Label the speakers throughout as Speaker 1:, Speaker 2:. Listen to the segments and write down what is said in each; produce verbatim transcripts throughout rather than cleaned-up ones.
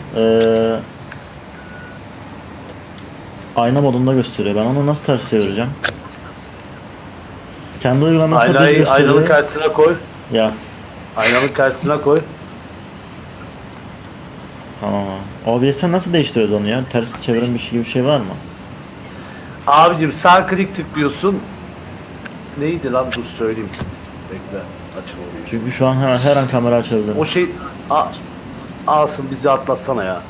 Speaker 1: Ee, ayna modunda gösteriyor. Ben onu nasıl ters çevireceğim? Kendi uygulaması düz
Speaker 2: Aynayı
Speaker 1: gösteriyor.
Speaker 2: aynanın karşısına koy.
Speaker 1: Ya
Speaker 2: Aynanın karşısına koy.
Speaker 1: tamam abi. O B S'ten nasıl değiştiriyoruz onu ya? Ters çeviren bir şey gibi bir şey var mı?
Speaker 2: Abicim sağ klik tıklıyorsun. Neydi lan, dur söyleyeyim. Bekle. Açın orayı.
Speaker 1: Çünkü şu an her, her an kamera açabilirim.
Speaker 2: O şey a, alsın bizi atlatsana ya.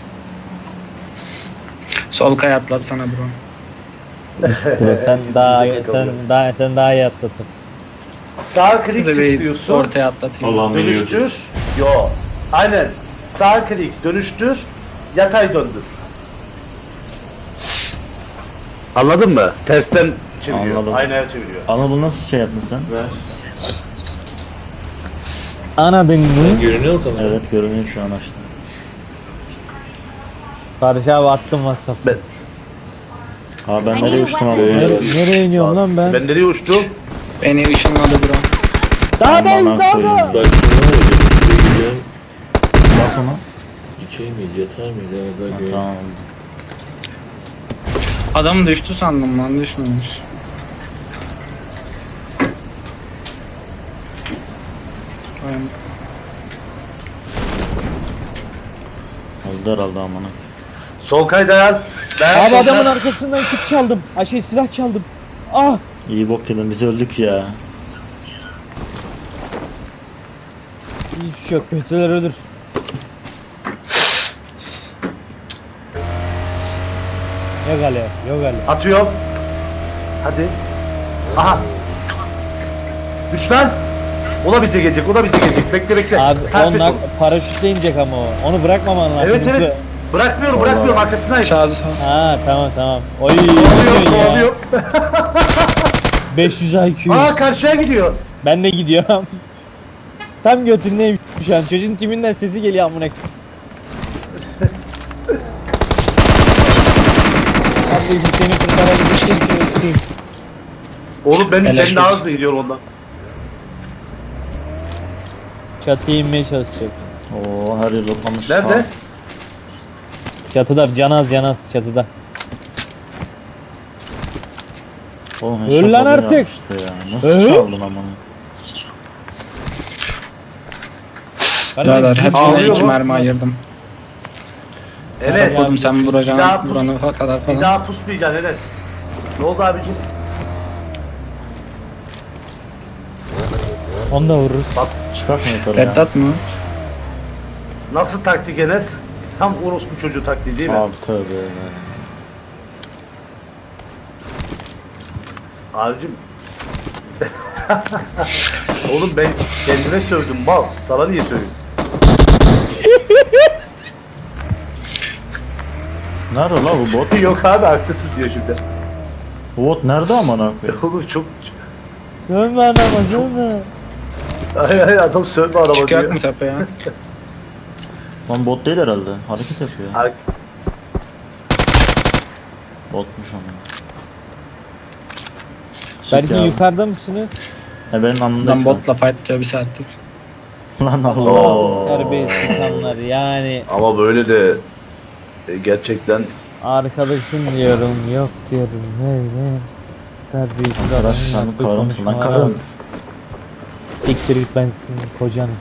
Speaker 3: Sol kaya atlatsana bro.
Speaker 4: Bro sen daha
Speaker 2: Gidecek
Speaker 4: sen
Speaker 2: kalıyor.
Speaker 4: daha sen daha iyi atlatırsın.
Speaker 2: Sağ klik
Speaker 3: Size bir
Speaker 2: tıklıyorsun.
Speaker 3: ortaya atlatayım.
Speaker 5: Allah'ım beni
Speaker 2: Dönüştür.
Speaker 5: götür.
Speaker 2: Yo. Aynen. Sağ klik dönüştür. Yatay döndür. Anladın mı? Tersten çeviriyor.
Speaker 1: Anladım.
Speaker 2: Aynaya çeviriyor.
Speaker 1: Ama bunu nasıl şey yaptın sen?
Speaker 5: Ver.
Speaker 4: Anladın mı?
Speaker 5: Görünüyor mu kamera?
Speaker 1: Evet görünüyor şu an açtım.
Speaker 4: Barış abi attım WhatsApp.
Speaker 2: Ben,
Speaker 1: Ha ben nereye uçtum ama?
Speaker 5: Evet.
Speaker 4: Nereye, nereye iniyorum lan ben?
Speaker 2: ben nereye uçtum?
Speaker 3: Beni ışınladı bro.
Speaker 4: Dağdayım
Speaker 1: Aman
Speaker 4: dağda.
Speaker 1: koyayım.
Speaker 5: Bak şuna öyle. Şuraya gidiyorum.
Speaker 1: Bas ona.
Speaker 5: Dikey miydi, yatay mıydı? Evet,
Speaker 1: Ha,
Speaker 5: bak ya.
Speaker 1: tamam.
Speaker 3: Adam düştü sandım lan, düşmemiş. Aynen.
Speaker 1: Oldu herhalde amına.
Speaker 2: Sol kay dayan. Dayan,
Speaker 4: Abi
Speaker 2: sol
Speaker 4: adamın
Speaker 2: kay.
Speaker 4: arkasından kit çaldım. Ay şey silah çaldım. Ah!
Speaker 1: İyi bok yedin biz öldük ya.
Speaker 4: Hiçbir şey yok. Kötüler ölür. Yok Ali, yok Ali.
Speaker 2: Atıyorum. Hadi. Aha. Düş lan. O da bize gelecek, o da bize gelecek. Bekle bekle.
Speaker 4: Abi
Speaker 2: Takip et
Speaker 4: onlar
Speaker 2: onu.
Speaker 4: paraşütle inecek ama o. Onu bırakmaman lazım.
Speaker 2: Evet evet. Bırakmıyorum, bırakmıyorum. Arkasındayım.
Speaker 3: Çağız.
Speaker 4: Ha tamam tamam. Oy
Speaker 2: Kovalıyor,
Speaker 4: gidiyor ya.
Speaker 2: kovalıyor.
Speaker 4: beş yüz I Q.
Speaker 2: Aa, karşıya gidiyor.
Speaker 4: Ben de gidiyorum. Tam götündeyim şu an. Çocuğun timinden sesi geliyor amına. Abi seni kurtarabilecek.
Speaker 2: Oğlum benim
Speaker 3: Helal
Speaker 2: kendi daha
Speaker 3: olsun.
Speaker 2: hızlı gidiyor ondan.
Speaker 4: Çatıya inmeye çalışacak.
Speaker 1: Oo her yer loklamış.
Speaker 2: Nerede?
Speaker 1: Ha,
Speaker 4: Çatıda canaz canaz çatıda.
Speaker 1: Oğlum
Speaker 4: Öl
Speaker 1: headshot
Speaker 4: lan
Speaker 1: alıyor
Speaker 4: artık.
Speaker 1: işte ya. Nasıl
Speaker 4: Öl.
Speaker 1: çaldın amına?
Speaker 3: Birader hepsine
Speaker 2: Ağlıyor
Speaker 3: iki
Speaker 2: mu?
Speaker 3: mermi ayırdım.
Speaker 2: Enes.
Speaker 3: Hesapladım sen
Speaker 2: Bir daha
Speaker 3: vuracaksın
Speaker 2: pus-
Speaker 3: buranı kadar
Speaker 2: Bir
Speaker 3: falan.
Speaker 2: daha pusmayacaksın Enes. Ne oldu abicim?
Speaker 4: Onu da vururuz.
Speaker 2: Bak
Speaker 1: Çıkartma yukarı ya.
Speaker 3: Reddat mı?
Speaker 2: nasıl taktik Enes? Tam orospu çocuğu taktiği değil mi?
Speaker 1: Abi tövbe.
Speaker 2: Abicim. Oğlum ben kendime sövdüm mal. Sana niye söveyim?
Speaker 1: Nerede la bu bot?
Speaker 2: Yok abi haklısın diyor şimdi.
Speaker 1: Bu bot nerede amına koyayım?
Speaker 2: Oğlum çok...
Speaker 4: Dönme anama dönme.
Speaker 2: Ay ay adam sövme araba
Speaker 3: Çıkıyor
Speaker 2: diyor.
Speaker 3: mu tepeye?
Speaker 1: Lan bot değil herhalde. Hareket yapıyor.
Speaker 2: Ar-
Speaker 1: Botmuş ama.
Speaker 4: Belki
Speaker 1: ya.
Speaker 4: yukarıda mısınız?
Speaker 1: He benim
Speaker 3: Adam
Speaker 1: anımdaysın.
Speaker 3: botla fight diyor bir saattir.
Speaker 1: Lan Allah.
Speaker 2: Oo.
Speaker 4: Terbiyesiz insanlar yani.
Speaker 2: Ama böyle de e, gerçekten
Speaker 4: Arkadaşım diyorum yok diyorum. Hey hey. Terbiyesiz
Speaker 1: Arkadaş
Speaker 4: adamın
Speaker 1: sen
Speaker 4: yaptığı
Speaker 1: karı mısın lan
Speaker 4: konuşmalara
Speaker 1: karım?
Speaker 4: bak. Siktir git ben senin kocanım.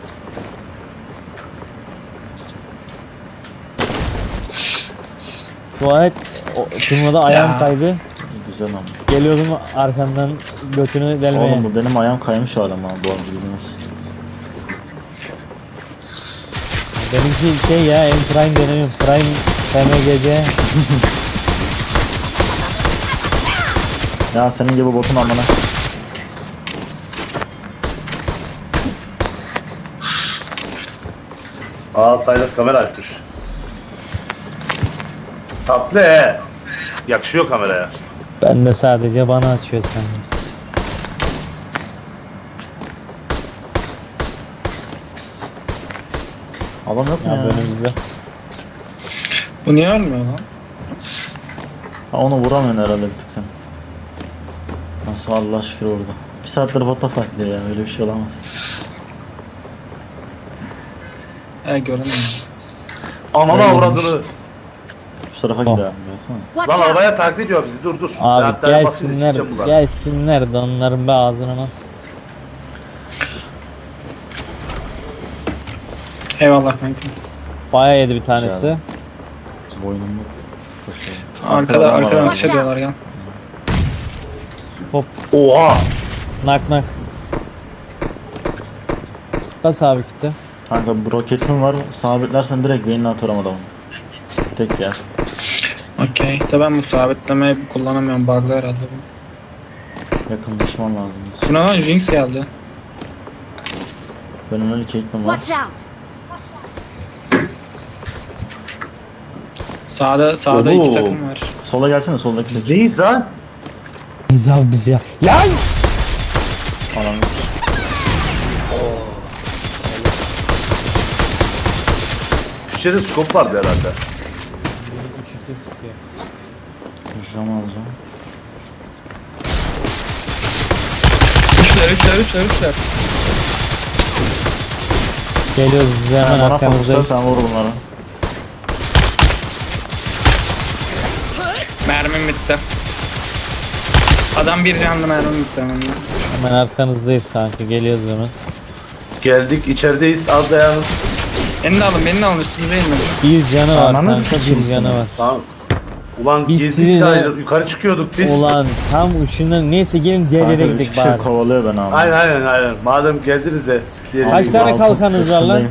Speaker 4: Dua et. O, turnuvada ayağım
Speaker 3: Ya.
Speaker 4: kaydı.
Speaker 1: Güzel ama.
Speaker 4: Geliyordum arkandan götünü delmeye.
Speaker 1: Oğlum bu benim ayağım kaymış hala ama bu arada bilmiyorsun.
Speaker 4: Benimki şey ya en prime denemiyorum. Prime F M G C.
Speaker 1: Ya senin gibi botun amına.
Speaker 2: Aa Saylas kamera açmış. Tatlı he. Yakışıyor kameraya.
Speaker 4: Ben de sadece bana açıyor sanırım.
Speaker 1: Adam yok mu
Speaker 4: Ya
Speaker 1: ya?
Speaker 4: önümüzde.
Speaker 3: Bu niye ölmüyor lan?
Speaker 1: Ha, onu vuramıyorsun herhalde bir tık sen. Nasıl Allah şükür orada. Bir saattir bota fightlıyor ya öyle bir şey olamaz.
Speaker 3: He görünmüyor.
Speaker 2: Ananı
Speaker 1: Öyle
Speaker 2: avradını.
Speaker 1: Şu tarafa
Speaker 4: Oh.
Speaker 1: gidelim. Gelsene.
Speaker 6: Watch
Speaker 2: Lan
Speaker 6: out!
Speaker 2: arabaya taklit ediyor bizi. Dur dur.
Speaker 4: Abi
Speaker 2: Ben hatta basayım,
Speaker 4: gelsinler,
Speaker 2: sikeceğim bunlar.
Speaker 4: gelsinler de onların be ağzına nasıl.
Speaker 3: Eyvallah kanka.
Speaker 4: Bayağı yedi bir tanesi.
Speaker 1: Güzel. Boynumda koşuyor.
Speaker 3: Arkada
Speaker 1: adam var
Speaker 3: arkadan
Speaker 1: abi.
Speaker 3: ateş ediyorlar ya.
Speaker 2: Oha.
Speaker 4: Nak nak. Bas abi kitle.
Speaker 1: Kanka bu roketim var. Sabitlersen direkt beynine atarım adamı. Tek yer.
Speaker 3: Okey. De ben bu sabitlemeyi kullanamıyorum. Bug'lı herhalde bu.
Speaker 1: Yakınlaşman lazım.
Speaker 3: Buna lan Jinx geldi.
Speaker 1: Benim öyle keyifim var.
Speaker 6: Watch out!
Speaker 3: Sağda sağda
Speaker 2: Oo.
Speaker 3: iki takım var.
Speaker 1: Sola gelsene soldaki tek.
Speaker 2: Bizdeyiz lan.
Speaker 4: Biz abi biz ya. Lan!
Speaker 1: Alan.
Speaker 2: Türkçe'de skop vardı herhalde.
Speaker 4: Üç yüksek sıkıyor.
Speaker 1: Jam alacağım.
Speaker 3: Üçler üçler üçler üçler.
Speaker 4: Geliyoruz biz de hemen
Speaker 1: Bana fokusla
Speaker 4: arkamızdayız.
Speaker 1: sen vur bunları.
Speaker 3: Mermim bitti. Adam bir canlı mermim bitti hemen.
Speaker 4: Hemen arkanızdayız kanka, geliyoruz hemen.
Speaker 2: Geldik içerideyiz. Az dayanın.
Speaker 3: Beni de alın beni de alın üstünüze inmedim.
Speaker 4: Bir canı var
Speaker 1: Ananı
Speaker 4: kanka,
Speaker 1: sikeyim
Speaker 4: bir canı
Speaker 1: seni.
Speaker 4: var.
Speaker 2: Tamam. Ulan
Speaker 4: Biz
Speaker 2: gezdik
Speaker 4: sizinle-
Speaker 2: de yukarı çıkıyorduk biz.
Speaker 4: Ulan tam uçundan, neyse gelin diğer yere
Speaker 1: Kanka üç
Speaker 4: gidelim
Speaker 1: kişi
Speaker 4: bari.
Speaker 1: kovalıyor beni abi.
Speaker 2: Aynen aynen aynen. Madem geldiniz de. diğeri-
Speaker 4: Kaç tane
Speaker 1: Altın
Speaker 4: kalkanınız var lan?
Speaker 1: üstündeyim.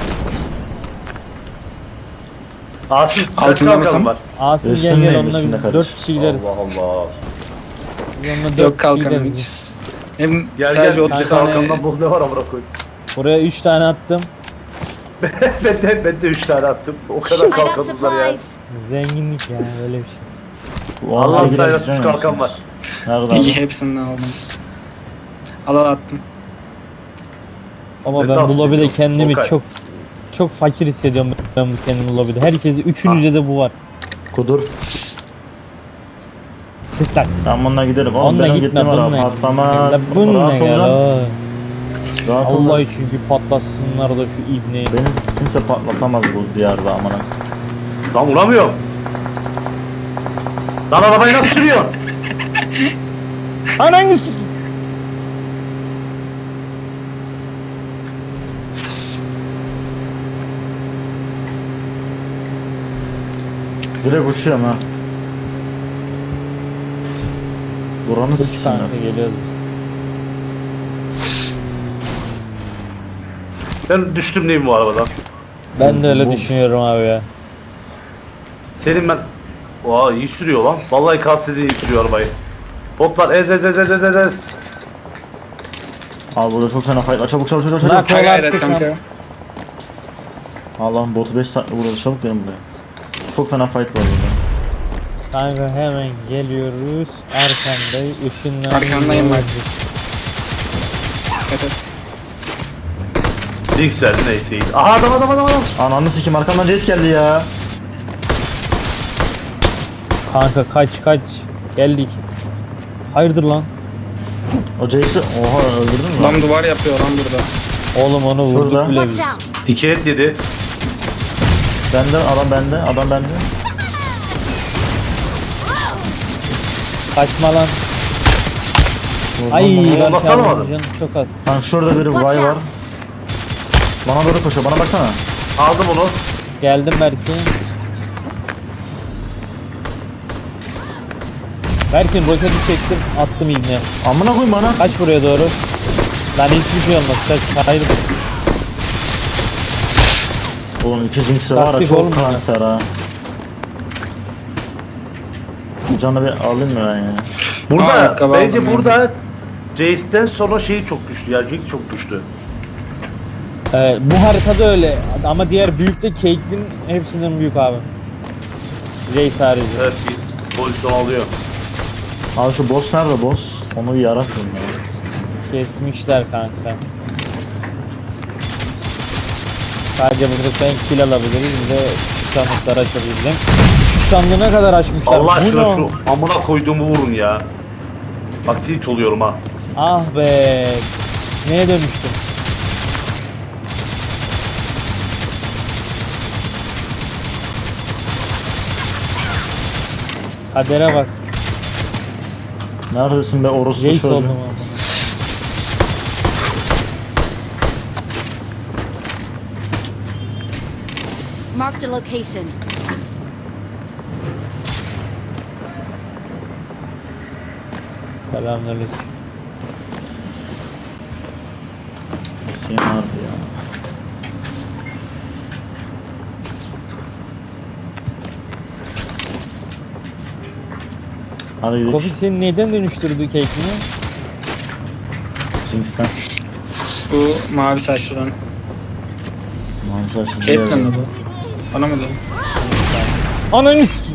Speaker 2: Asım kaç
Speaker 3: Altında
Speaker 2: kalkalım
Speaker 3: mısın?
Speaker 2: var?
Speaker 4: Asım gel
Speaker 1: Üstündeyim,
Speaker 4: gel onunla
Speaker 1: üstünde
Speaker 4: biz
Speaker 1: kardeş.
Speaker 4: dört kişi gideriz.
Speaker 2: Allah Allah.
Speaker 4: Biz onunla dört
Speaker 3: Yok
Speaker 4: kişi
Speaker 3: kalkanım
Speaker 4: gideriz.
Speaker 3: hiç. Hem
Speaker 2: Gel
Speaker 3: sadece
Speaker 2: gel.
Speaker 3: otuz
Speaker 2: Bize
Speaker 3: tane
Speaker 2: kalkandan bul ne var amına koy.
Speaker 4: Buraya üç tane attım.
Speaker 2: ben de ben de üç tane attım. O kadar
Speaker 6: I got
Speaker 2: kalkanımız var ya.
Speaker 6: supplies!
Speaker 4: Zenginlik ya, öyle bir şey.
Speaker 1: Bu
Speaker 2: Allah
Speaker 1: ağaca
Speaker 2: sayıda
Speaker 1: girebiliyor
Speaker 2: suç kalkan
Speaker 1: musunuz?
Speaker 2: var.
Speaker 1: Nerede
Speaker 3: İyi
Speaker 1: abi?
Speaker 3: hepsinden aldım. Al al attım.
Speaker 4: Ama
Speaker 2: Ben
Speaker 4: ben
Speaker 2: de
Speaker 4: bu
Speaker 2: aslında
Speaker 4: lobide
Speaker 2: yok.
Speaker 4: kendimi
Speaker 2: Okay.
Speaker 4: çok çok fakir hissediyorum ben bu kendimi lobide. Herkesi üçünüzde de bu var.
Speaker 1: Kudur.
Speaker 4: Sistem.
Speaker 1: Ben bununla giderim. Oğlum
Speaker 4: Onunla
Speaker 1: benim
Speaker 4: gitme,
Speaker 1: gittiğim
Speaker 4: bununla
Speaker 1: ara
Speaker 4: git.
Speaker 1: patlamaz.
Speaker 4: Ya bununla
Speaker 1: Rahat
Speaker 4: gel
Speaker 1: olacaksın.
Speaker 4: o.
Speaker 1: Rahat
Speaker 4: Allah
Speaker 1: olacaksın.
Speaker 4: için bir patlasınlar da şu ibneyi.
Speaker 1: Beni kimse patlatamaz bu diyarda amına.
Speaker 2: Lan vuramıyorum. Lan arabayı nasıl sürüyorsun?
Speaker 4: Ananı s***.
Speaker 1: Direkt uçuyorum ha. Buranı
Speaker 4: Üç
Speaker 1: siksinler.
Speaker 4: tane geliyoruz biz.
Speaker 2: Ben düştüm neyim bu arabadan?
Speaker 4: Ben de öyle
Speaker 1: Bu-
Speaker 4: düşünüyorum abi ya.
Speaker 2: Senin ben... Oha iyi sürüyor lan. Vallahi kastedi iyi sürüyor arabayı. Botlar ez ez ez ez ez ez ez.
Speaker 1: Abi burada çok fena fight var. Çabuk çabuk çabuk çabuk.
Speaker 4: Nak-
Speaker 3: Ha gayret
Speaker 4: attık
Speaker 3: kanka.
Speaker 4: lan.
Speaker 1: Allah'ım botu beş saatte vurdu. Çabuk gelin buraya. Çok fena fight var burada.
Speaker 4: Kanka hemen geliyoruz. Arkandayım. Işınlar.
Speaker 3: Arkandayım bak. Evet, evet.
Speaker 2: Jinx verdi neyse iyi. Aha adam adam adam adam.
Speaker 1: Ananı sikim arkamdan Jace geldi ya.
Speaker 4: Kanka kaç kaç. Geldik. Hayırdır lan?
Speaker 1: O Jace'i oha öldürdün mü? lan?
Speaker 3: Adam duvar yapıyor lan burada.
Speaker 4: Oğlum onu vurduk
Speaker 1: Şurada.
Speaker 4: bile biz.
Speaker 6: Watch out!
Speaker 2: İki et yedi.
Speaker 1: Bende adam bende adam bende.
Speaker 4: Kaçma lan.
Speaker 1: Vurdum
Speaker 4: Ay
Speaker 1: bunu.
Speaker 4: ben
Speaker 2: nasıl
Speaker 4: çaldım,
Speaker 2: alamadın?
Speaker 4: canım çok az.
Speaker 1: Kanka şurada biri
Speaker 6: Watch
Speaker 1: vay var.
Speaker 6: out.
Speaker 1: Bana doğru koşuyor bana baksana.
Speaker 2: Aldım onu.
Speaker 4: Geldim belki. Berkin roketi çektim, attım ibne.
Speaker 1: Amına koyayım bana.
Speaker 4: Kaç buraya doğru. Lan hiçbir şey olmaz. Kaç, hayırdır.
Speaker 1: Oğlum iki Jinx'e var ya
Speaker 4: Taktik
Speaker 1: çok
Speaker 4: oğlum ya.
Speaker 1: kanser ha. Bu canı bir alayım mı ben ya?
Speaker 2: Burada
Speaker 3: Aa, ayakkabı
Speaker 2: bence
Speaker 3: aldım
Speaker 2: burada Jace'den sonra şeyi çok güçlü ya. Jinx çok güçlü.
Speaker 4: Ee, bu haritada öyle. Ama diğer büyükte Caitlyn hepsinden büyük abi. Jace harici.
Speaker 2: Evet biz pozisyon alıyor.
Speaker 1: Abi şu boss nerede boss? Onu bir yaratmayayım ya.
Speaker 4: Kesmişler kanka. Sadece burada ben kill alabiliriz. Bir de şu sandıkları açabileceğim. Şu sandığı ne kadar açmışlar?
Speaker 2: Allah
Speaker 4: Bu
Speaker 2: aşkına
Speaker 4: ne?
Speaker 2: şu amına koyduğumu vurun ya. Bak tilt oluyorum ha.
Speaker 4: Ah be. Neye dönüştüm? Kadere bak.
Speaker 1: Neredesin be orospu
Speaker 4: Reis
Speaker 1: çocuğu?
Speaker 4: oldum ama.
Speaker 6: Marked a location.
Speaker 4: Selamünaleyküm.
Speaker 1: Hüseyin abi ya. Hadi gidelim.
Speaker 4: Kofik seni neden dönüştürdü cake'ini?
Speaker 1: Jinx'ten.
Speaker 3: Bu mavi saçlıdan.
Speaker 1: Mavi saçlı
Speaker 3: Caitlyn mi bu? Bana mı diyor?
Speaker 4: Ananı s***.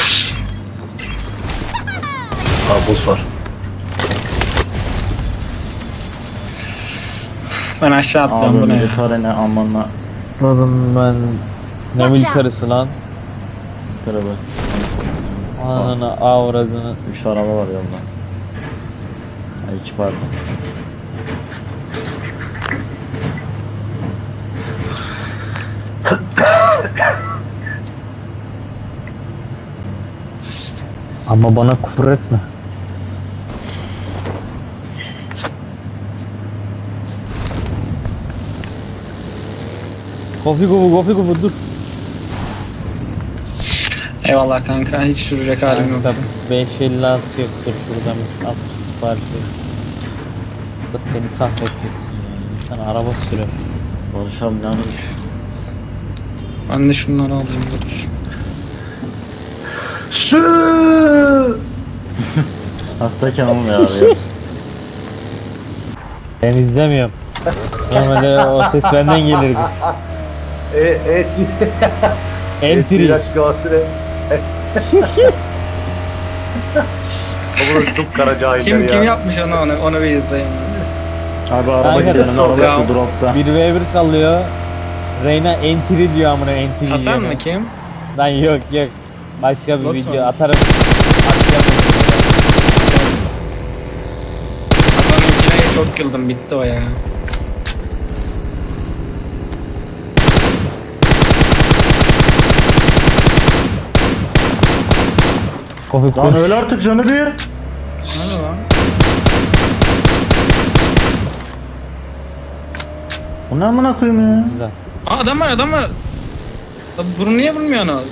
Speaker 2: Ha boss var.
Speaker 3: Ben aşağı atlıyorum
Speaker 1: Abi
Speaker 3: bu ne ya?
Speaker 1: militare ne amanla.
Speaker 4: Oğlum ben... Ne
Speaker 6: Watch
Speaker 4: militerisi lan?
Speaker 1: Militare bak.
Speaker 4: Ananı avradını.
Speaker 1: Üç araba var yolda. Ay iki pardon.
Speaker 4: Ama bana küfür etme. Kofi kubu kofi kubu dur.
Speaker 3: Eyvallah kanka, hiç sürecek halim yok.
Speaker 4: Kanka beş elli altı yoktur şuradan al sipariş ver. Da seni kahretmesin ya. İnsan araba sürer.
Speaker 1: Barış abi ne yapıyorsun?
Speaker 3: Ben de şunları alayım da dur.
Speaker 2: Şu.
Speaker 1: Hastayken olmuyor abi ya.
Speaker 4: Ben izlemiyorum. Normalde o ses benden gelirdi.
Speaker 2: E, et.
Speaker 4: Entry.
Speaker 2: İlaç gavası ne? Bunu çok kara cahiller
Speaker 3: Kim
Speaker 2: ya.
Speaker 3: kim yapmış onu onu, onu bir izleyin.
Speaker 1: Abi araba
Speaker 4: Kanka,
Speaker 1: gidelim
Speaker 2: sol
Speaker 1: araba
Speaker 3: ya.
Speaker 1: şu dropta.
Speaker 4: bir ve bir kalıyor. Reyna entry diyor amına entry
Speaker 3: Hasan
Speaker 4: diyor.
Speaker 3: mı kim?
Speaker 4: Lan yok yok. Başka bir
Speaker 3: Not
Speaker 4: video
Speaker 3: sonra.
Speaker 4: atarım. Atacağım.
Speaker 3: Hasan'ınkine çok güldüm, bitti o ya.
Speaker 4: Kofi
Speaker 1: Lan
Speaker 4: koş.
Speaker 1: öyle artık canı bir.
Speaker 3: Nerede lan?
Speaker 1: Bu ne amına koyayım ya?
Speaker 4: Güzel.
Speaker 3: Aa, adam var adam var. Lan bunu niye vurmuyorsunuz?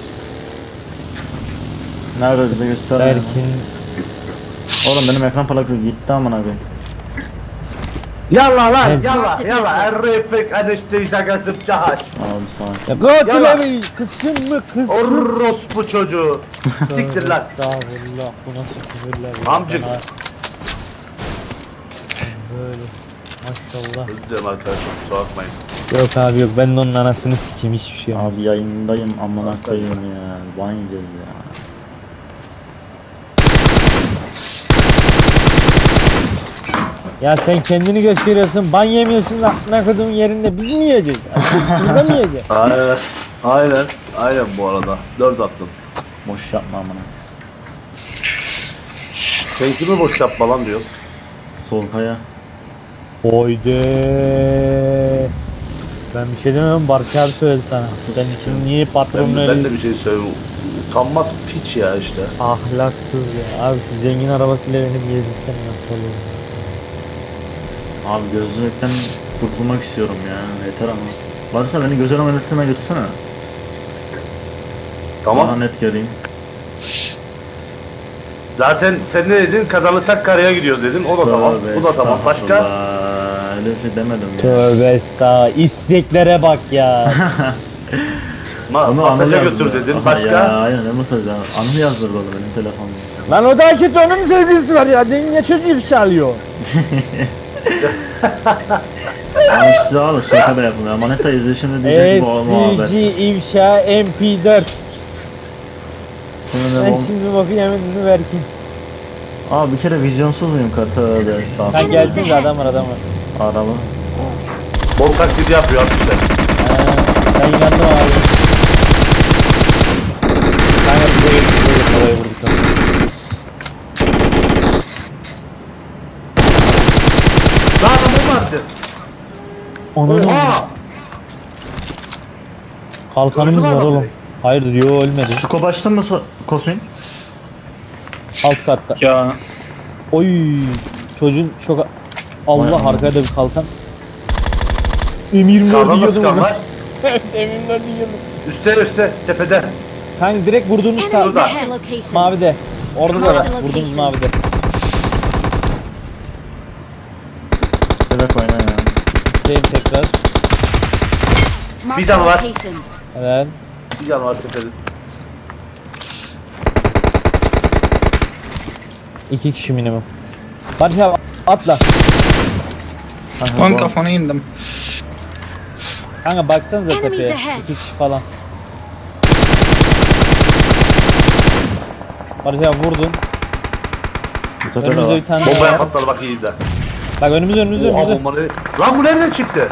Speaker 1: Nerede bize göster. ya.
Speaker 4: Erkin.
Speaker 1: Oğlum benim ekran plakası gitti amına koyayım.
Speaker 2: Yalla lan
Speaker 4: Evet.
Speaker 2: yalla yalla. Errefek adeşte şakası cahaç.
Speaker 1: Abi sağ ol.
Speaker 4: Ya Gotil
Speaker 2: Yalla.
Speaker 4: abi kızsın mı kızsın?
Speaker 2: Orospu çocuğu. Siktir lan.
Speaker 4: Estağfurullah bu nasıl küfürler ya?
Speaker 2: Amcık.
Speaker 4: Bana- Böyle. Maşallah.
Speaker 2: Özür dilerim arkadaşlar, kusura bakmayın.
Speaker 4: Yok abi yok ben de onun anasını sikeyim hiçbir şey yok.
Speaker 1: Abi yayındayım amına koyayım ya. Ban yiyeceğiz ya.
Speaker 4: Ya sen kendini gösteriyorsun ban yemiyorsun lan ne kodumun yerinde biz mi yiyeceğiz? Burada mı yiyeceğiz?
Speaker 2: Aynen. Aynen. Aynen bu arada. Dört attım.
Speaker 1: Boş yapma amına.
Speaker 2: Sen kimi boş yapma lan diyor.
Speaker 1: Sol kaya.
Speaker 4: Oyde. Ben bir şey demiyorum Barış abi söyledi sana. Sen için niye
Speaker 2: Ben,
Speaker 4: patronun
Speaker 2: ben
Speaker 4: öyle
Speaker 2: de bir şey söyleyeyim. Utanmaz piç ya işte.
Speaker 4: ahlaksız ya. Abi şu zengin arabasıyla beni bir gezdirsen nasıl olur?
Speaker 1: Abi gözlükten kurtulmak istiyorum ya. Yeter ama. Varsa beni göz ameliyatına götürsene.
Speaker 2: Tamam.
Speaker 1: Daha net göreyim.
Speaker 2: Zaten sen ne dedin? Kazanırsak karaya gidiyoruz dedin. O da tamam.
Speaker 1: Tövbe
Speaker 2: Bu da tamam. Başka?
Speaker 1: estağfurullah. Öyle bir şey demedim ya.
Speaker 4: Tövbe estağfurullah. İsteklere bak ya.
Speaker 2: Ma
Speaker 1: Onu Anıl
Speaker 2: masaja
Speaker 1: yazdı.
Speaker 2: götür dedin.
Speaker 1: Aha
Speaker 2: Başka?
Speaker 1: Ya aynen ne mesajı? Anıl yazdırdı onu benim telefonumda.
Speaker 4: Lan o da kötü onun sevgilisi var ya. Denge çocuğu ifşa alıyor.
Speaker 1: Ama size alın şaka da yapın ya. Maneta izleyişinde diyecek bu muhabbet.
Speaker 4: S C G ifşa M P dört.
Speaker 1: Şimdi ne
Speaker 4: Ben
Speaker 1: bom...
Speaker 4: şimdi bakayım yeminini verkin.
Speaker 1: Aa bir kere vizyonsuz muyum kartı öyle
Speaker 4: Ha
Speaker 1: estağfurullah.
Speaker 4: gelsin de adam var adam var.
Speaker 1: Araba.
Speaker 2: Bol taklidi yapıyor işte.
Speaker 4: Ha, ben inandım abi. Kanka buraya buraya buraya vurduk.
Speaker 2: Lan adamı mı attın?
Speaker 4: Onun
Speaker 2: Oha!
Speaker 4: kalkanımız
Speaker 2: Öldü mü
Speaker 4: var
Speaker 2: adam
Speaker 4: oğlum.
Speaker 2: direkt?
Speaker 4: Hayır yo ölmedi.
Speaker 1: Suko başladın mı so- Kofin?
Speaker 4: Alt katta.
Speaker 3: Ya
Speaker 4: Oy çocuğun çok
Speaker 1: Vay
Speaker 4: Allah
Speaker 1: aman.
Speaker 4: arkaya da bir kalkan. M yirmi dört
Speaker 2: Sağdan da
Speaker 4: yiyordum
Speaker 2: sıkan
Speaker 4: onu.
Speaker 2: var.
Speaker 4: Evet M yirmi dört yiyordum.
Speaker 2: Üste üste tepede.
Speaker 4: Kanka direkt vurduğumuz sağ
Speaker 6: Enemies
Speaker 2: Şurada.
Speaker 6: ahead. Location.
Speaker 4: mavide. Orada da var.
Speaker 6: Marked
Speaker 4: Vurduğumuz
Speaker 6: location.
Speaker 4: mavide.
Speaker 1: Bebek oyna ya.
Speaker 4: Deyim tekrar.
Speaker 6: Marked
Speaker 2: Bir tane var.
Speaker 6: location.
Speaker 4: Evet.
Speaker 2: Bir can var tepede.
Speaker 4: İki kişi minimum. Barış abi atla.
Speaker 1: Kanka,
Speaker 3: on
Speaker 1: bu-
Speaker 3: kafana indim.
Speaker 4: Kanka baksanıza
Speaker 6: Enemies
Speaker 4: tepeye.
Speaker 6: ahead.
Speaker 4: İki kişi falan. Barış abi vurdun.
Speaker 1: Bu tepede
Speaker 4: Önümüzde
Speaker 1: var.
Speaker 4: bir tane
Speaker 2: Bombaya
Speaker 4: var.
Speaker 2: patladı bak iyi izle.
Speaker 4: Bak önümüzde önümüzde
Speaker 2: Oha
Speaker 4: önümüzde.
Speaker 2: bomba nereye? Lan bu nereden çıktı?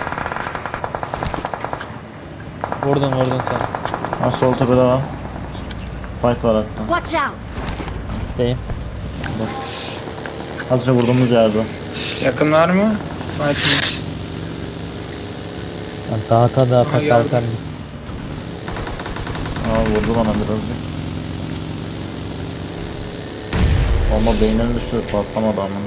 Speaker 4: Vurdun vurdun sen.
Speaker 1: Ha, sol tepede var. Fight var hatta.
Speaker 6: Watch out.
Speaker 4: Deyim.
Speaker 1: Bas. Azıcık vurduğumuz yerde.
Speaker 3: Yakın var mı? Fight'ın.
Speaker 4: Dağıta dağıta
Speaker 3: Aha, geldi.
Speaker 4: kalkan.
Speaker 1: Aa, vurdu bana birazcık. Bomba beynine düştü, patlamadı ama.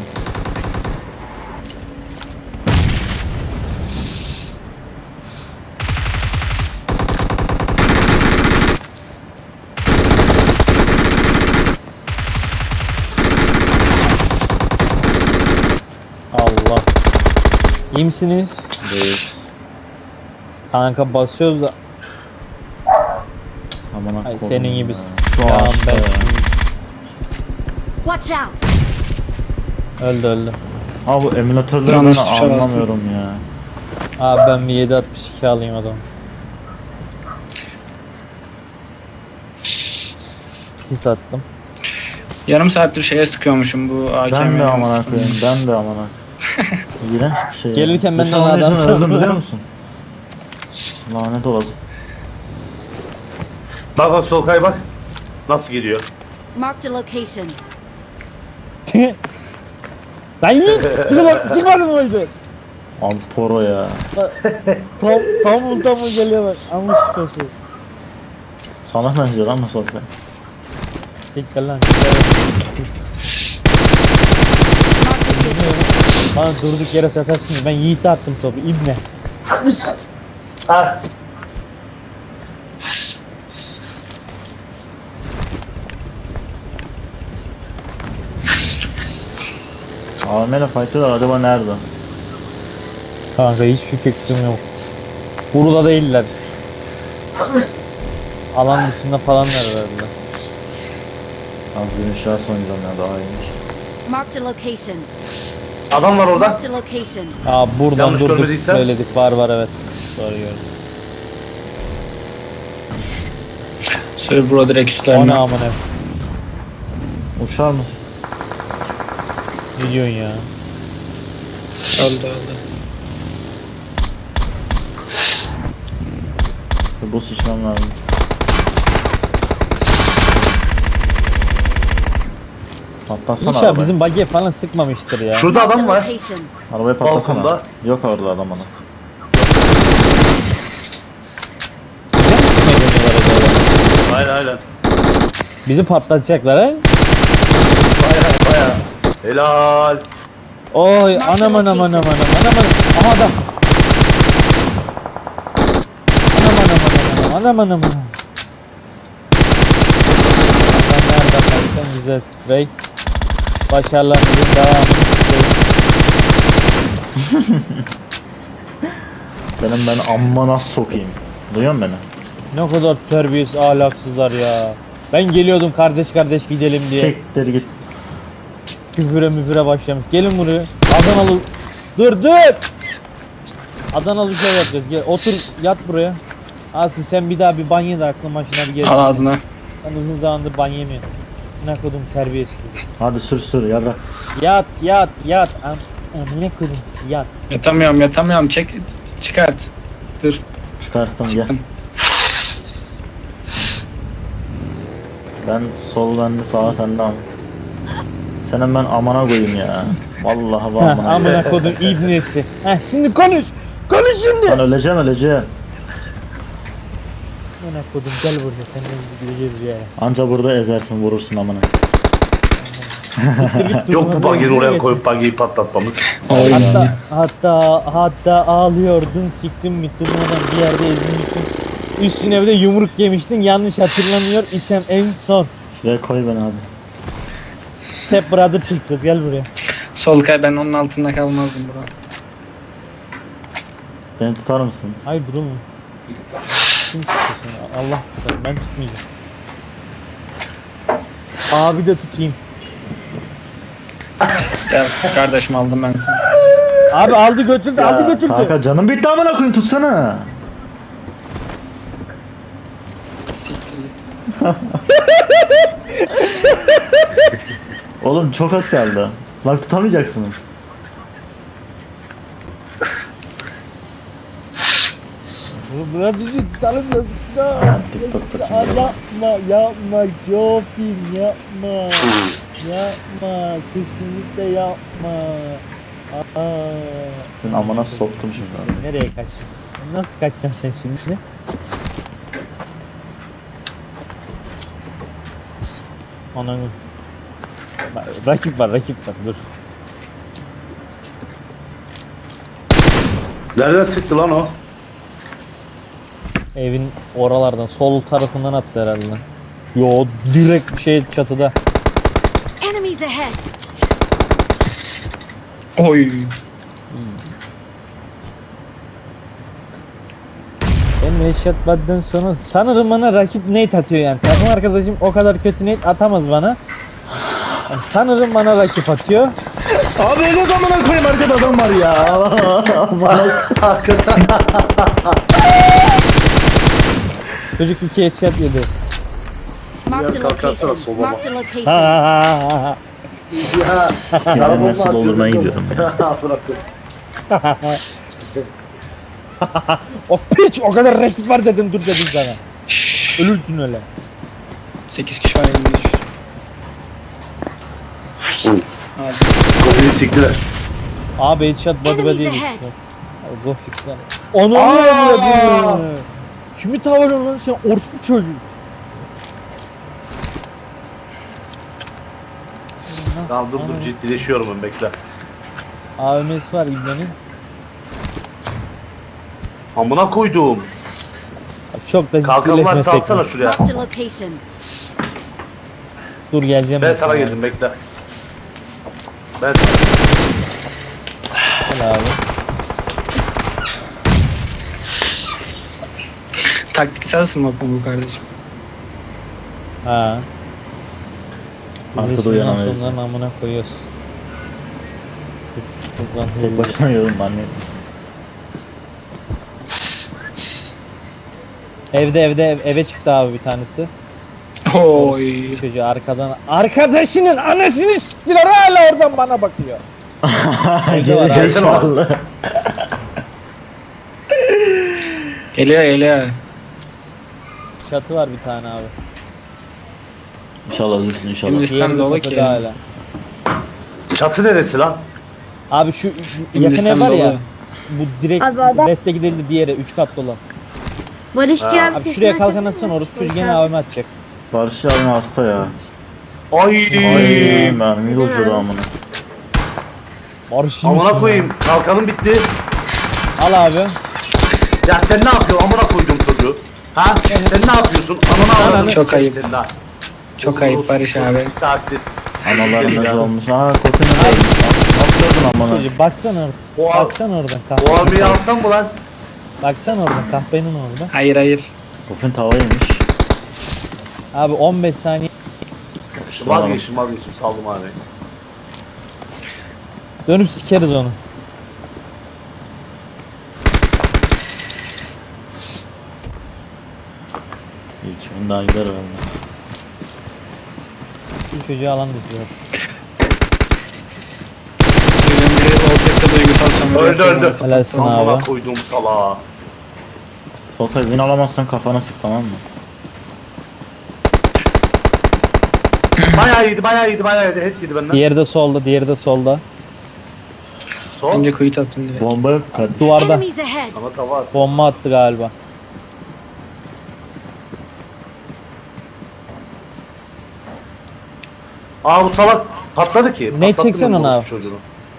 Speaker 4: Allah. İyi misiniz?
Speaker 1: Değiliz.
Speaker 4: Kanka basıyoruz da.
Speaker 1: Aman
Speaker 4: Ay
Speaker 1: akkolum
Speaker 4: senin
Speaker 1: ya.
Speaker 4: gibi.
Speaker 1: Şu
Speaker 4: Ya
Speaker 1: ağaçta
Speaker 4: ben
Speaker 1: ya.
Speaker 6: Watch out.
Speaker 4: öldü öldü.
Speaker 1: Abi bu emülatörleri ben
Speaker 3: Yanlış tuşa bastım.
Speaker 1: anlamıyorum ya.
Speaker 4: Abi ben bir yedi altmış iki alayım adam. Sis attım.
Speaker 3: Yarım saattir şeye sıkıyormuşum bu A K M'ye.
Speaker 1: Ben de aman koyayım, ben de aman İğrenç bir şey ya.
Speaker 4: Gelirken ben
Speaker 1: Geçen
Speaker 4: de
Speaker 1: onun
Speaker 4: adam
Speaker 1: yüzünden öldüm
Speaker 4: sandım.
Speaker 1: biliyor musun? Lanet olası.
Speaker 2: Bak bak sol kay bak. Nasıl gidiyor?
Speaker 6: Marked a location.
Speaker 4: Lan yiğit! Çıkma, çıkmadın mı oydu?
Speaker 1: Abi poro ya.
Speaker 4: Tam, tam vur tam vur geliyor bak. Amış çocuğu.
Speaker 1: Sana benziyor lan bu sohbet.
Speaker 4: Siktir lan. Sis.
Speaker 6: Marked a vehicle.
Speaker 4: Bana durduk yere sataşsın. Ben Yiğit'e attım topu. İbne.
Speaker 2: Ha.
Speaker 1: A V M ile fight'lar acaba nerede?
Speaker 4: Kanka hiçbir fikrim yok. Burada değiller. Alan dışında falan herhalde.
Speaker 1: Az bir inşaat oynayacağım ya, daha iyiymiş.
Speaker 6: Marked a location.
Speaker 2: Adam var orada.
Speaker 6: Marked a location.
Speaker 4: Aa buradan
Speaker 2: Yanlış
Speaker 4: durduk
Speaker 2: görmediysem.
Speaker 4: söyledik. Var var evet. Doğru gördüm.
Speaker 3: Server direkt
Speaker 4: O ne
Speaker 3: üstlerine.
Speaker 4: amına.
Speaker 1: Uçar mısınız?
Speaker 4: Ne diyorsun ya?
Speaker 3: Öldü öldü.
Speaker 1: Bu sıçram lazım. Patlatsana
Speaker 4: İnşallah
Speaker 1: arabayı.
Speaker 4: bizim bagiye falan sıkmamıştır ya.
Speaker 2: Şurada
Speaker 6: Marked
Speaker 2: adam
Speaker 6: a
Speaker 2: var.
Speaker 6: location.
Speaker 1: Arabayı patlasana.
Speaker 2: Balkonda.
Speaker 1: Yok orada adam ana.
Speaker 4: Ne deniyorlar acaba?
Speaker 2: Aynen aynen.
Speaker 4: Bizi patlatacaklar ha?
Speaker 2: Baya baya. Helal.
Speaker 4: Oy anam anam anam anam anam anam. Aha da. Anam anam anam anam anam anam anam. Adam nereden baksan güzel sprey. Başarılarınızın devamını isteyin.
Speaker 1: Benim ben amma nasıl sokayım. Duyuyor musun beni?
Speaker 4: Ne kadar terbiyesiz ahlaksızlar ya. Ben geliyordum kardeş kardeş gidelim diye.
Speaker 1: Siktir git.
Speaker 4: Küfüre müfüre başlamış. Gelin buraya. Adanalı. Dur dur. Adanalı şey yapacağız. Gel otur yat buraya. Asım sen bir daha bir banyo da aklın başına bir gel.
Speaker 3: Al ağzına.
Speaker 4: Ben uzun zamandır banyo yemiyorum. Ne kodum terbiyesiz.
Speaker 1: Hadi sür sür yarrak.
Speaker 4: Yat yat yat. Am amına kodum yat.
Speaker 3: Yatamıyorum yatamıyorum. Çek. Çıkart. Dur.
Speaker 1: Çıkarttım gel.
Speaker 3: Çıktım.
Speaker 1: Ben sol bende sağa sende ama. Senin ben amana koyayım ya. Vallahi
Speaker 4: Heh,
Speaker 1: vallahi.
Speaker 4: amına kodum ibnesi. Heh şimdi konuş. Konuş şimdi.
Speaker 1: Ben öleceğim öleceğim.
Speaker 4: Amına kodum gel buraya senden gideceğiz ya.
Speaker 1: Anca burada ezersin vurursun amına.
Speaker 4: Siktir git,
Speaker 2: Yok bu
Speaker 4: durmadan
Speaker 2: buggy'i
Speaker 4: yürü
Speaker 2: oraya
Speaker 4: geç.
Speaker 2: koyup buggy'yi patlatmamız.
Speaker 3: Oy.
Speaker 4: Hatta hatta hatta ağlıyordun, siktim bitti durmadan bir yerde ezilmiştin. Üstüne bir de yumruk yemiştin, yanlış hatırlamıyor isem en son.
Speaker 1: Şuraya koy beni abi.
Speaker 4: Step brother çıktı, gel buraya.
Speaker 3: Solkay, ben onun altında kalmazdım bro.
Speaker 1: Beni tutar mısın?
Speaker 4: Hayır bro mu? Kim tuttu seni? Allah tutar, ben tutmayacağım. Abi de tutayım.
Speaker 3: Gel kardeşim, aldım ben seni.
Speaker 4: Abi aldı götürdü,
Speaker 2: Ya,
Speaker 4: aldı götürdü.
Speaker 1: Kanka canım bitti amına koyayım, tutsana.
Speaker 3: Siktir git.
Speaker 1: Oğlum çok az kaldı. Bak tutamayacaksınız.
Speaker 4: Bırak bizi tutalım da sıkma.
Speaker 1: Ha, TikTok bakayım.
Speaker 4: Yapma, yapma, Jofin yapma. Yapma, kesinlikle yapma. Aa.
Speaker 1: Ben amına soktum şimdi abi.
Speaker 4: Nereye kaçtın? Nasıl kaçacaksın sen şimdi? Ananı. Bak, rakip var, rakip var. Dur.
Speaker 2: Nereden sıktı lan o?
Speaker 4: Evin oralardan, sol tarafından attı herhalde. Yo, direkt şey çatıda.
Speaker 6: Enemies ahead!
Speaker 3: Oy.
Speaker 4: Ben headshot badden sonra sanırım bana rakip nade atıyor yani. Takım arkadaşım o kadar kötü nade atamaz bana. Yani sanırım bana rakip atıyor.
Speaker 1: Abi öyle zamana koyayım, arkada adam var ya.
Speaker 2: Hakikaten.
Speaker 4: Çocuk iki headshot yedi.
Speaker 6: Marked a
Speaker 2: Diğer kalkarsa
Speaker 6: location.
Speaker 2: solama.
Speaker 6: Marked a
Speaker 4: Ha
Speaker 6: location.
Speaker 4: ha ha ha.
Speaker 2: Ya.
Speaker 1: Ya Mesut doldurmaya gidiyorum ya.
Speaker 2: Bırakın.
Speaker 4: O piç o kadar rakip var dedim, dur dedim sana. Ölürsün öyle.
Speaker 3: sekiz kişi var elinde düş. Hadi.
Speaker 2: Kapıyı siktiler.
Speaker 4: Abi headshot body
Speaker 6: Enemies
Speaker 4: body
Speaker 6: ahead.
Speaker 4: yedik. Go fixler. Onu
Speaker 2: Aa!
Speaker 4: avradını. Kimi tavırın lan sen, orospu çocuğu.
Speaker 2: Tamam dur dur ciddileşiyorum ben, bekle.
Speaker 4: A V M'si var İbne'nin.
Speaker 2: Amına koydum.
Speaker 4: Çok da
Speaker 2: Kalkanlar
Speaker 4: ciddileşmesek
Speaker 2: salsana
Speaker 4: mi?
Speaker 2: şuraya.
Speaker 6: Marked a location.
Speaker 4: Dur geleceğim.
Speaker 2: Ben sana geldim, bekle. Ben
Speaker 4: Gel abi.
Speaker 3: Taktiksel mi bu kardeşim?
Speaker 4: Ha.
Speaker 1: Arkada uyanamayız.
Speaker 4: Onların amına koyuyoruz. Buradan
Speaker 1: Tek
Speaker 4: hızlı.
Speaker 1: başına yiyorum anne.
Speaker 4: Evde evde ev- eve çıktı abi bir tanesi.
Speaker 3: Oy.
Speaker 4: Çocuğu arkadan arkadaşının anasını s**tiler, hala oradan bana bakıyor. Evde var
Speaker 1: Geri
Speaker 4: abi.
Speaker 1: zekalı.
Speaker 3: Geliyor geliyor.
Speaker 4: Çatı var bir tane abi.
Speaker 1: İnşallah ölürsün inşallah.
Speaker 3: Şimdi- Sistem
Speaker 4: Diğeri de
Speaker 3: dolu
Speaker 4: tepede
Speaker 3: ki.
Speaker 4: hala.
Speaker 2: çatı neresi lan?
Speaker 4: Abi şu yakın
Speaker 3: Hindistan
Speaker 4: ev var ya.
Speaker 3: dolu.
Speaker 4: Bu direkt
Speaker 7: Abi adam-
Speaker 4: deste gidildi, diğeri üç katlı olan.
Speaker 7: Barışçı
Speaker 2: Ha.
Speaker 7: abi
Speaker 4: Abi
Speaker 7: sesini
Speaker 4: şuraya
Speaker 7: açabilir
Speaker 4: kalkan
Speaker 7: misin?
Speaker 4: atsana, orası çocuğu
Speaker 7: Barış
Speaker 4: gene
Speaker 7: abi.
Speaker 4: A V M atacak.
Speaker 1: Barış abi hasta ya.
Speaker 2: Ay.
Speaker 1: Ay mermi bozuyordu amına.
Speaker 4: Barış
Speaker 2: Amına koyayım. Kalkanım bitti.
Speaker 4: Al abi.
Speaker 2: Ya sen ne yapıyorsun amına koydum çocuğu? Ha? Sen ne yapıyorsun? Amına avradını
Speaker 3: Çok
Speaker 2: sikeyim
Speaker 3: ayıp.
Speaker 2: senin ha.
Speaker 3: Çok ayıp Barış abi.
Speaker 2: Bir saattir.
Speaker 1: Analarımız
Speaker 2: Ya.
Speaker 1: olmuş. Aa kokunun olmuş. Nasıl gördün amına?
Speaker 4: Çocuğu baksana oradan.
Speaker 2: O,
Speaker 4: Baksana oradan
Speaker 2: o
Speaker 4: kahvenin.
Speaker 2: abiyi alsam mı lan?
Speaker 4: Baksana oradan kahvenin orada.
Speaker 3: Hayır hayır.
Speaker 1: Kokun tava yemiş.
Speaker 4: Abi on beş saniye
Speaker 1: İşte adam.
Speaker 2: Vazgeçtim vazgeçtim, saldım abi.
Speaker 4: dönüp sikeriz onu.
Speaker 1: İlk gün daha gider herhalde.
Speaker 4: Şu çocuğu alan dışı.
Speaker 3: Çocuğun biri olacakta duygusal sömürü
Speaker 2: Öldü
Speaker 3: yapıyor,
Speaker 2: öldü.
Speaker 3: onu
Speaker 4: Helalsin
Speaker 3: kapattı.
Speaker 2: Amına
Speaker 4: abi.
Speaker 2: koydum salağa.
Speaker 1: Soltay win alamazsan kafana sık, tamam mı?
Speaker 2: Bayağı iyiydi bayağı iyiydi bayağı iyiydi. Hep yedi benden.
Speaker 4: Diğeri de solda, diğeri de solda.
Speaker 2: Sol.
Speaker 3: Önce kuyut attın diye.
Speaker 1: Bomba yok kardeşim.
Speaker 4: Duvarda.
Speaker 6: Enemies ahead!
Speaker 2: Ama tava at.
Speaker 4: Bomba attı galiba.
Speaker 2: Aa bu salak Patladı ki.
Speaker 4: Ne
Speaker 2: patlattım
Speaker 4: çeksen
Speaker 2: ben
Speaker 4: ona
Speaker 2: bu
Speaker 4: abi?
Speaker 2: çocuğunu.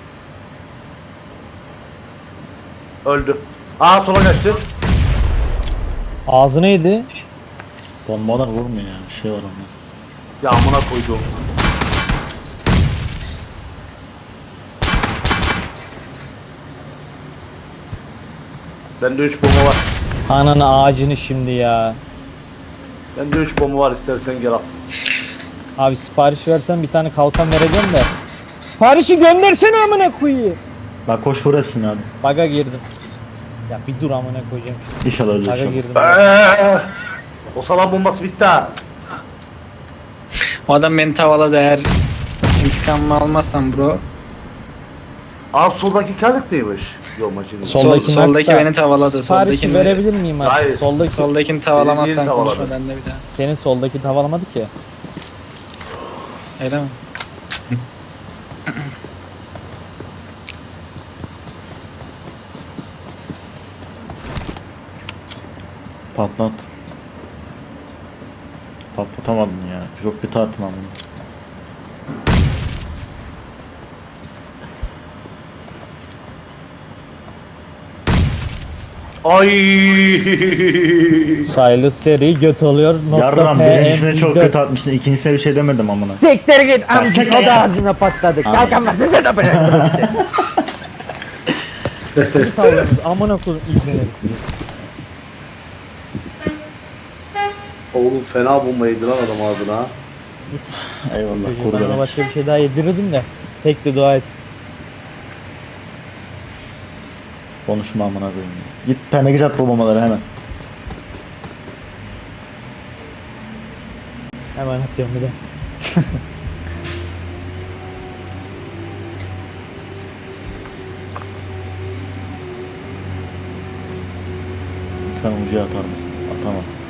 Speaker 2: Öldü. Aa sola kaçtı.
Speaker 4: Ağzına yedi.
Speaker 1: Bombalar vurmuyor ya. Bir şey var onda.
Speaker 2: Ya amına koydu. Bende üç bomba var.
Speaker 4: Ananı ağacını şimdi ya.
Speaker 2: Bende üç bomba var, istersen gel al.
Speaker 4: Abi sipariş versen bir tane kalkan vereceğim de. Siparişi göndersene amına koyayım.
Speaker 1: Bak koş vur hepsini hadi.
Speaker 4: Baga girdim. Ya bir dur amına koyacağım.
Speaker 1: İnşallah öyle bir
Speaker 4: Baga
Speaker 1: şey olur.
Speaker 4: girdim.
Speaker 2: Eee, o salam bombası bitti ha.
Speaker 3: O adam beni tavaladı eğer intikamımı almazsam bro.
Speaker 2: Aa soldaki karlık değilmiş. Yok maçını.
Speaker 4: Sol-
Speaker 3: Sol,
Speaker 4: Soldaki
Speaker 3: soldaki
Speaker 4: nakta.
Speaker 3: beni tavaladı.
Speaker 4: Siparişi
Speaker 3: Soldakini,
Speaker 4: verebilir miyim artık?
Speaker 2: Hayır.
Speaker 4: Soldaki,
Speaker 3: soldakini
Speaker 2: Seni
Speaker 3: tavalamazsan
Speaker 2: diğeri
Speaker 3: konuşma
Speaker 2: tavaladı.
Speaker 3: benimle bir daha.
Speaker 4: senin soldaki tavalamadı ki.
Speaker 3: Öyle mi?
Speaker 1: Patlat. Patlatamadın ya. Çok kötü attın ama.
Speaker 2: Ay.
Speaker 4: Sayılı seri göt oluyor. Nokta
Speaker 1: Yarram
Speaker 4: P M
Speaker 1: birincisine çok
Speaker 4: dört.
Speaker 1: kötü atmışsın. İkincisine bir şey demedim amına.
Speaker 4: Siktir git amcık
Speaker 1: siktir
Speaker 4: o
Speaker 1: git.
Speaker 4: da ağzına patladı.
Speaker 1: Aynen.
Speaker 4: Kalkamaz size de bırak. Bir tavlamız amına koyayım ibneleri.
Speaker 2: Oğlum fena bomba yedi lan adam ağzına.
Speaker 1: Eyvallah
Speaker 4: Ben ona
Speaker 1: kurban.
Speaker 4: başka bir şey daha yedirirdim de. Tek de dua et.
Speaker 1: Konuşma amına koyayım. Git peneke at bu bombaları hemen.
Speaker 4: Hemen atıyorum bir de.
Speaker 1: Lütfen ucuya atar mısın? Atamam.